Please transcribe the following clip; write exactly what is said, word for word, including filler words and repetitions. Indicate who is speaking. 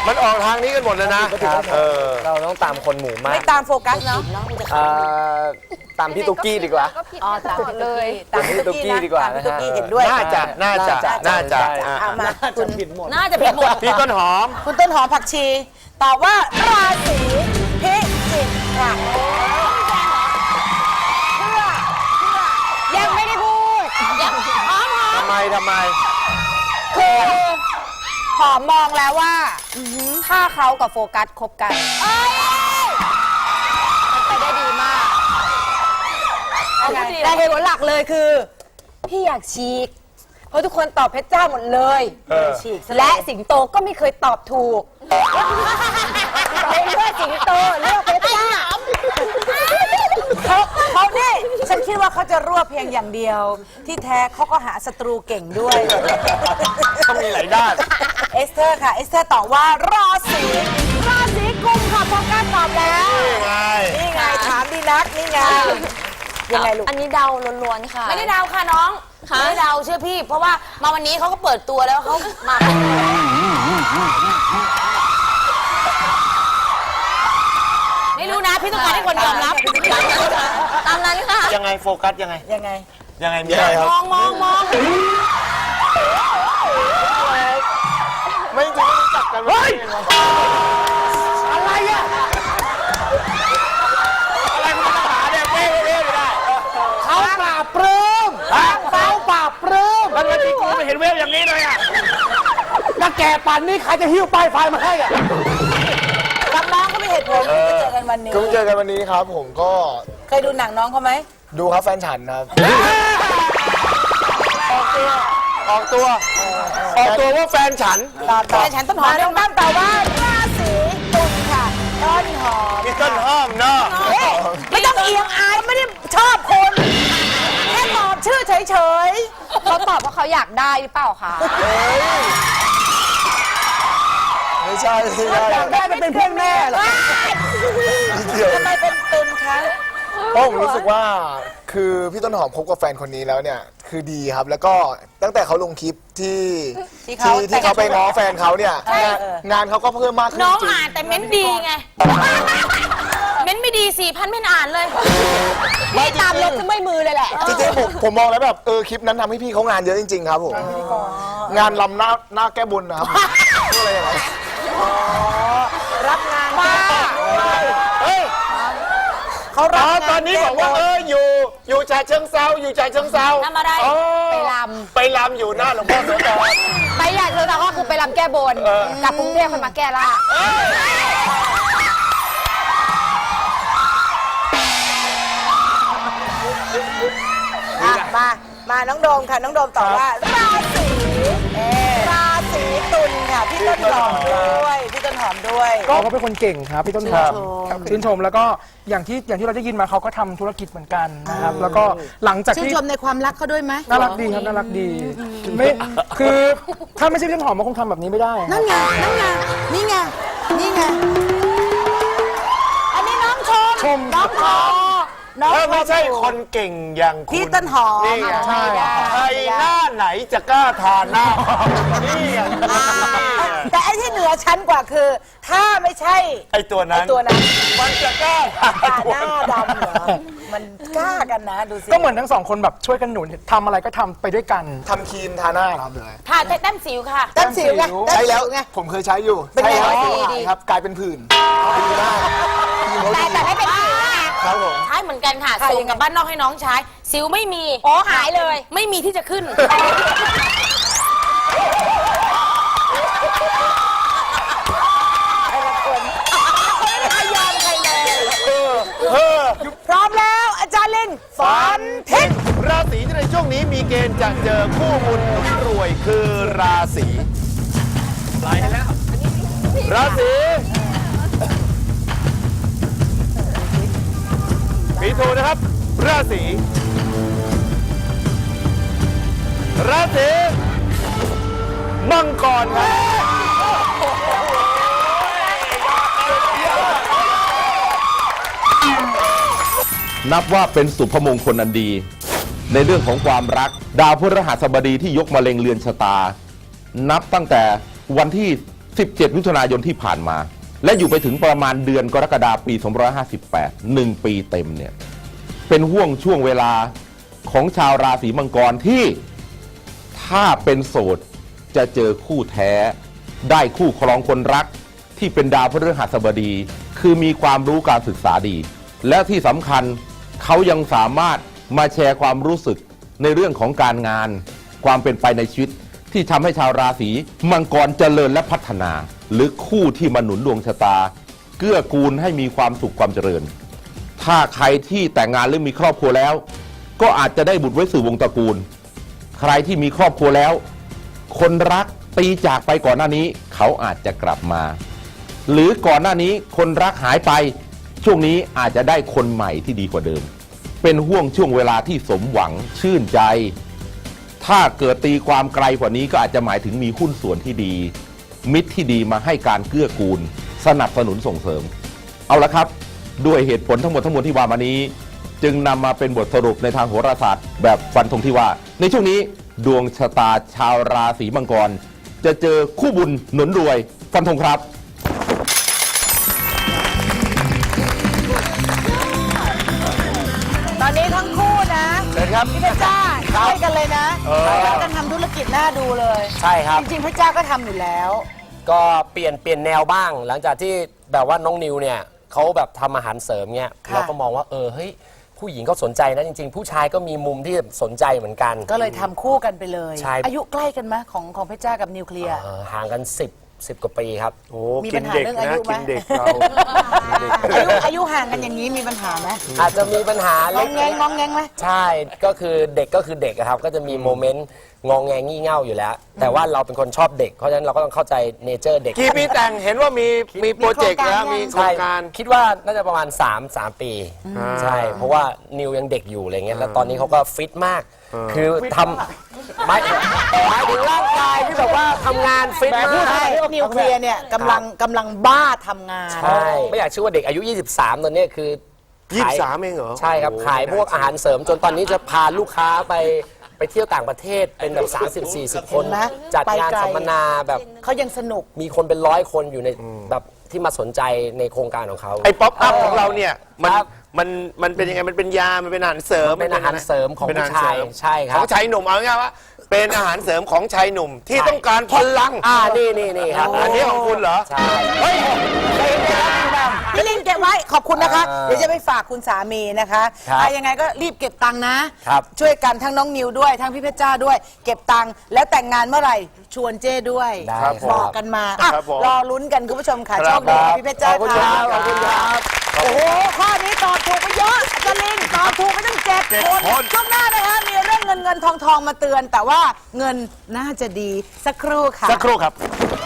Speaker 1: มันออกทางนี้กันหมดเลยนะเออเราต้องตามคนหมู่มาก
Speaker 2: ไม่ตามโฟกัสเนาะ
Speaker 1: ตามพี่ตุ๊กกี้ดีกว่า
Speaker 2: อ๋อตามเลย
Speaker 1: ตามพี่ตุ๊กกี้ดีกว่า
Speaker 2: ตาม
Speaker 1: นะ
Speaker 2: พี่ตุ๊ก
Speaker 1: ฮะ
Speaker 2: กี้เห็นด้วย
Speaker 1: น่าจะน่าจะน่าจะ
Speaker 2: เอามาคุณ
Speaker 3: น่าจะผิดหมด
Speaker 1: พี่ต้นหอม
Speaker 2: คุณต้นหอมผักชีตอบว่าราศีพิจิกค่ะเพื่อยังไม่ได้พูดยังหอมหอม
Speaker 1: ทำไมทำไม
Speaker 2: คือหอมมองแล้วว่าถ้าเขากับโฟกัสคบกันมันไปได้ดีมากแต่เหตุผลหลักเลยคือ พี่อยากฉีก เพราะทุกคนตอบเพชรเจ้าหมดเลยฉีกและสิงโตก็ไม่เคยตอบถูกเลยเลือกสิงโตเลือกเพชรเจ้าเขาเขาเนี่ยฉันคิดว่าเขาจะรวบเพียงอย่างเดียว ที่แท้เขาก็หาศัตรูเก่งด้วย
Speaker 1: ต้องมีหลายด้าน
Speaker 2: เอสเธอร์ค่ะ เอสเธอร์ตอบว่าราศีราศีกุมค่ะโฟกัสตอบแล้ว
Speaker 1: นี่ไง
Speaker 2: นี่ไงถามดีนักนี่ไงยังไงลูก
Speaker 3: อันนี้เดาล้วนๆค่ะ
Speaker 4: ไม่ได้เดาค่ะน้องไม่ได้เดาเชื่อพี่ เพราะว่ามาวันนี้เขาก็เปิดตัวแล้วเขามาไม่รู้นะพี่ต้องการให้คนยอมรับตามนั้นค่ะ
Speaker 1: ยังไงโฟกัสยังไง
Speaker 2: ยังไง
Speaker 1: ยังไงมีอะไรครับ
Speaker 4: มองมองมอง
Speaker 1: ไม่จริงไม่รู้จักกันเฮ้ยอะไรอะอะไรคุณมาหาเนี่ยเป้เป้ไม่ได้เขาปราบปลื้มเขาปราบปลื้มแล้วที่กูไม่เห็นเวฟอย่างนี้เลยอะแล้วแกป่านนี้ใครจะหิ้วป้ายไฟมาให้อะ
Speaker 2: กับน้องก็มีเหตุผลที่จะเจอกันวันนี้
Speaker 5: ก็เจอกันวันนี้ครับผมก็
Speaker 2: เคยดูหนังน้องเขาไหม
Speaker 5: ดูครับแฟนฉันครับ
Speaker 1: ออกตัวออกตัวว่าแฟนฉัน
Speaker 2: ตอบตอบฉันต้นหอมน้องตั้มตอบว่าราศีตุลค่ะต้นหอม
Speaker 1: มีต้นห้อมเนาะ
Speaker 2: เฮ้ยไม่ต้องเอียงอายไม่ได้ชอบคนแค่ตอบชื่อเฉย
Speaker 3: เขาตอบเพราะเขาอยากได้หรือเปล่าคะ
Speaker 5: ไม่ใช่ไม่ใช่
Speaker 2: ๆอยากได้เป็นเพื่อนแม่เหรอทำไมเป็นตุลคะ
Speaker 5: เพราะผมรู้สึกว่าคือพี่ต้นหอมคบกับแฟนคนนี้แล้วเนี่ยคือดีครับแล้วก็ตั้งแต่เขาลงคลิปที่ที่ที่เขาไปง้อแฟนเขาเนี่ยงานงานเขาก็เพิ่มมากขึ้น
Speaker 4: น้อง
Speaker 5: จริง
Speaker 4: อ่านแต่เม้นดีไงเม้นไม่ดีสี่พันไม่อ่านเลย
Speaker 5: ไม่จ
Speaker 3: ตาม
Speaker 5: ริ
Speaker 3: ล
Speaker 5: ง
Speaker 3: บขึ้นไม่มือเลยแหละ
Speaker 5: จริงๆผมผมมองแล้วแบบเออคลิปนั้นทำให้พี่เขางานเยอะจริงๆครับผมงานลำหน้าหน้าแก้บนนะครับอะไรอย่างเงี้ย
Speaker 2: รับงานบ้า
Speaker 1: เฮ้ย
Speaker 2: เขารับงาน
Speaker 1: ตอนนี้บอกว่าเอออยู่อยู่ชาเชิงเซาอยู่ชาเชิงเซา
Speaker 4: ทำอะไร
Speaker 3: ไปล
Speaker 1: ไปลำอยู่หน้าหลวงพ่อโสธร
Speaker 3: ำไปอยากเจอเราก็คือไปลำแก้บนกลับกรุงเทพคนมาแก้ล่า
Speaker 2: อ่ะมา มาน้องโดมค่ะ น้องโดมตอบว่า ราศีราศีตุลค่ะ พี่ต้นหอมด้วย พี่ต้นหอมด้วย
Speaker 6: เขาก็เป็นคนเก่งครับพี่ต้นหอมชื่นชมแล้วก็อย่างที่อย่างที่เราได้ยินมาเขาก็ทำธุรกิจเหมือนกันนะครับแล้วก็หลังจาก
Speaker 2: ชื่น
Speaker 6: ที่
Speaker 2: ชมในความรักเขาด้วยไหม
Speaker 6: น่ารักดีครับน่ารักดีไม่คือถ้าไม่ใช่พี่ต้นหอมมันคงทำแบบนี้ไม่ได้
Speaker 2: นั่นไง นั่นไง นี่ไง นี่ไง อันนี้น้องชม
Speaker 6: ชม
Speaker 2: น้องพอน้อง
Speaker 1: เออไม่ใช่คนเก่งอย่างคุณ
Speaker 2: พี่ต้นหอม
Speaker 1: นี่ไง
Speaker 6: ใช่
Speaker 1: ใครหน้าไหนจะกล้าทานหน้านี่ไง
Speaker 2: แต่ไอ้ที่เหนือชั้นกว่าคือ ถ้าไม่ใช่
Speaker 1: ไอตัวนั้น
Speaker 2: ไอ้ตัวนั้น
Speaker 1: มันจะกล้าทาน
Speaker 2: หน้าดำเหรอ มันกล้ากันนะ ดูสิ
Speaker 6: ก็เหมือนทั้งสองคนแบบช่วยกันหนุนทำอะไรก็ทำไปด้วยกัน
Speaker 5: ทำครีมทาหน้าครับเลย
Speaker 4: ค่ะแต้มสิวค่ะ
Speaker 2: แต้มสิวไง
Speaker 5: ใช้แล้ว
Speaker 2: ไง
Speaker 5: ผมเคยใช้อยู่
Speaker 2: เป็น
Speaker 5: ใช้
Speaker 2: ไง
Speaker 5: แล้ว
Speaker 2: ดีดี
Speaker 5: ครับกลายเป็นผื่นดีมาก
Speaker 4: แต่แต่ไม่เป็นไร
Speaker 5: ครับผม
Speaker 4: ใช้เหมือนกันค่ะส่งกับบ้านนอกให้น้องใช้ สิวไม่มี
Speaker 3: โอ้หายเลย
Speaker 4: ไม่มีที่จะขึ้น
Speaker 2: พร้อมแล้วอาจารย์ลิงฝันทิศ
Speaker 1: ราศีที่ในช่วงนี้มีเกณฑ์จะเจอคู่บุญหนุนรวยคือราศีไหลแล้ว ราศีมีถูกนะครับ ราศีราศีมังกรครับ
Speaker 7: นับว่าเป็นสุภมงคลอันดี ในเรื่องของความรักดาวพฤหัสบดีที่ยกมาเล็งเรือนชะตา นับตั้งแต่วันที่สิบเจ็ด มิถุนายนที่ผ่านมา และอยู่ไปถึงประมาณเดือนกรกฎาคมปีสองพันห้าร้อยห้าสิบแปด หนึ่งปีเต็มเนี่ยเป็นห่วงช่วงเวลาของชาวราศีมังกรที่ถ้าเป็นโสดจะเจอคู่แท้ได้คู่ครองคนรักที่เป็นดาวพฤหัสบดี คือมีความรู้การศึกษาดี และที่สำคัญเขายังสามารถมาแชร์ความรู้สึกในเรื่องของการงานความเป็นไปในชีวิตที่ทำให้ชาวราศีมังกรเจริญและพัฒนา หรือคู่ที่มาหนุนดวงชะตาเกื้อกูลให้มีความสุขความเจริญ ถ้าใครที่แต่งงานหรือมีครอบครัวแล้ว ก็อาจจะได้บุตรไว้สู่วงตระกูล ใครที่มีครอบครัวแล้ว คนรักตีจากไปก่อนหน้านี้เขาอาจจะกลับมา หรือก่อนหน้านี้คนรักหายไปช่วงนี้อาจจะได้คนใหม่ที่ดีกว่าเดิม เป็นห่วงช่วงเวลาที่สมหวังชื่นใจ ถ้าเกิดตีความไกลกว่านี้ก็อาจจะหมายถึงมีหุ้นส่วนที่ดี มิตรที่ดีมาให้การเกื้อกูล สนับสนุนส่งเสริม เอาละครับด้วยเหตุผลทั้งหมดทั้งมวลที่ว่ามานี้ จึงนำมาเป็นบทสรุปในทางโหราศาสตร์แบบฟันธงที่ว่า ในช่วงนี้ดวงชะตาชาวราศีมังกรจะเจอคู่บุญหนุนรวยฟันธงครับ
Speaker 2: ตอนนี้ทั้งคู่นะ
Speaker 1: เชิญครับ
Speaker 2: พี่เพชรจ้าช่วยกันเลยนะช่วยกันทำธุรกิจน่าดูเลย
Speaker 1: ใช่ครับ
Speaker 2: จริงๆเพชรจ้าก็ทำอยู่แล้ว
Speaker 8: ก็เปลี่ยนเปลี่ยนแนวบ้าง หลังจากที่แบบว่าน้องนิวเนี่ยเขาแบบทำอาหารเสริมเนี่ย
Speaker 2: ค่ะ
Speaker 8: เราก็มองว่าเออเฮ้ยผู้หญิงก็สนใจนะจริงๆ ผู้ชายก็มีมุมที่สนใจเหมือนกัน
Speaker 2: ก็เลยทำคู่กันไปเลย
Speaker 8: ใช่
Speaker 2: อายุใกล้กันไหมของของเพชรจ้ากับนิวเคลียร์
Speaker 8: เออห่างกันสิบสิบกว่าปีครับ
Speaker 1: โอ้
Speaker 2: มี
Speaker 1: กิ
Speaker 2: ปั
Speaker 1: น
Speaker 2: ญหา
Speaker 1: เด็ก
Speaker 2: เรื่องอา
Speaker 1: นะ
Speaker 2: ยุไหม
Speaker 1: กินเด็กเรา
Speaker 2: อายุอายุห่างกันอย่างนี้มีปัญหาไหม
Speaker 8: อาจจะมีปัญหาง เล็
Speaker 2: อก งแงงงองแงงไหม
Speaker 8: ใช่ก็คือเด็กก็คือเด็กอะครับก็จะมีโมเมนต์งองแงงี่เง่าอยู่แล้ว แต่ว่าเราเป็นคนชอบเด็กเพราะฉะนั้นเราก็ต้องเข้าใจเนเจอร์เด็ก
Speaker 1: กี่ปีแต่งเห็นว่ามีมีโปรเจกต์แล้วมีโคร
Speaker 8: ใช่
Speaker 1: งการ
Speaker 8: คิดว่าน่าจะประมาณ3 3ปี ใช่ เพราะว่านิวยังเด็กอยู่อะไรเงี้ยแล้วตอนนี้เขาก็ฟิตมาก คือทำหมายหมายถึงร่างกายที่แบบว่าทำงานฟิต
Speaker 2: แต่พูด
Speaker 8: มาก
Speaker 2: ให้นิวเคลียร์เนี่ยกำลังกำลังบ้าทำงาน
Speaker 8: ใช่ไม่อยากเชื่อว่าเด็กอายุ ยี่สิบสามตอนเนี้ยคือ
Speaker 1: ยี่
Speaker 8: ขา
Speaker 1: สิบสามเองเหรอ
Speaker 8: ใช่ครับ
Speaker 1: โอ้โห
Speaker 8: ขายพวกอาหารเสริมจนตอนนี้จะพาลูกค้าไปไปเที่ยวต่างประเทศเป็นแบบ สามสิบสี่สิบ คน
Speaker 2: เห็นไหม
Speaker 8: จัดงาน
Speaker 2: ไปไกล
Speaker 8: สัมมนาแบบ
Speaker 2: เขายังสนุก
Speaker 8: มีคนเป็นร้อยคนอยู่ในแบบที่มาสนใจในโครงการของเขา
Speaker 1: ไอ้ป๊อปอัพของเราเนี่ยมัน
Speaker 8: ครับ
Speaker 1: มันมันเป็นยังไงมันเป็นยา มันเป็นอาหารเสริม
Speaker 8: เป็นอาหารเสริมของ
Speaker 1: เป็นอาหาร
Speaker 8: ผู้ชาย
Speaker 1: เสริม
Speaker 8: ใช่ครับ
Speaker 1: ของชายหนุ่มเอาง่ายๆว่า เป็นอาหารเสริมของชายหนุ่มที่ต้องการพลัง
Speaker 8: อ่านี่นี่นี่ครับ
Speaker 1: อันนี้ของคุณเหรอ
Speaker 8: ใช่
Speaker 1: เฮ้ย
Speaker 2: พี่ลินเก็บไว้ขอบคุณนะคะ
Speaker 8: อ่า
Speaker 2: เดี๋ยวจะไปฝากคุณสามีนะคะ
Speaker 8: ครับ
Speaker 2: อ่ะยังไงก็รีบเก็บตังค์นะ
Speaker 8: ครับ
Speaker 2: ช่วยกันทั้งน้องนิวด้วยทั้งพี่เพชรจ้าด้วย เก็บตังค์แล้วแต่งงานเมื่อไหร่ชวนเจ้ด้วย
Speaker 8: ได้
Speaker 1: ครับผม
Speaker 2: บอกกันมาอ่ะ
Speaker 1: ครับผม
Speaker 2: รอลุ้นกันคุณผู้ชมค่ะ
Speaker 1: ค
Speaker 2: โช
Speaker 1: รับ
Speaker 2: คดี
Speaker 1: ครับ
Speaker 2: พี่เพชรจ้า
Speaker 8: ขอบคุณ
Speaker 2: ค่ะ
Speaker 8: ครับขอบคุณครับ
Speaker 2: โอ้โหข้อนี้ตอบถูกไปเยอะอาจารย์ลินตอบถูกไปตั้งเจ็ด
Speaker 1: เจ็ด
Speaker 2: คน
Speaker 1: คน
Speaker 2: ช่วงหน้านะคะมีเรื่องเงินเงินทองทองมาเตือน แต่ว่าเงินน่าจะดีสักครู่ค่ะ
Speaker 1: สักครู่ครับ